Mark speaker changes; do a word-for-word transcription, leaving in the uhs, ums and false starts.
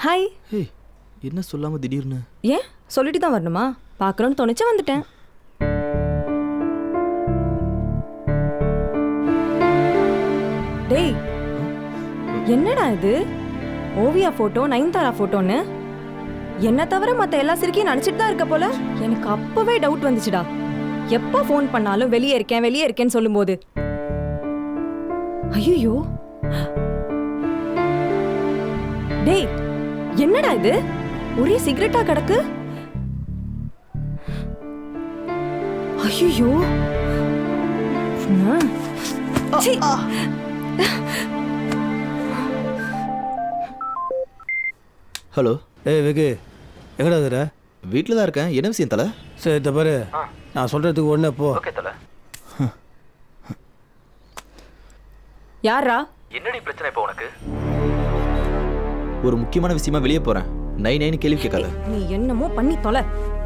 Speaker 1: Hi.
Speaker 2: ஹே, என்ன சொல்லாம திடீர்னு?
Speaker 1: ஏன் சொல்லிட்டு தான் வரணுமா? பார்க்கணும்னு தோணுச்சு வந்துட்டேன். டேய், என்னடா இது? ஓவியா போட்டோ, நயன்தாரா போட்டோன்னு என்ன தவிர மத்த எல்லா சிரிக்கையும் நினைச்சிட்டு தான் இருக்க போல. எனக்கு அப்பவே டவுட் வந்துச்சுடா. எப்ப ஃபோன் பண்ணாலும் வெளியே இருக்கேன் வெளியே இருக்கேன்னு சொல்லும்போது. ஐயோ, டேய் என்னடா இது? ஒரே சிகரெட்டா கிடக்கு. ஐயோ,
Speaker 2: ஹலோ.
Speaker 3: ஏய் வெகு, எங்கடா இருக்கிற?
Speaker 2: வீட்டில் தான் இருக்கேன். என்ன விஷயம் தலை?
Speaker 3: சரி இந்த பாரு, நான் சொல்கிறதுக்கு ஒன்று போ.
Speaker 2: ஓகே தலை.
Speaker 1: யாரா?
Speaker 2: என்னடி பிரச்சனை இப்போ உனக்கு? ஒரு முக்கியமான விஷயமா வெளியே போறேன். நை நைன்னு கேள்வி கேட்காத.
Speaker 1: நீ என்னமோ பண்ணி தொலை.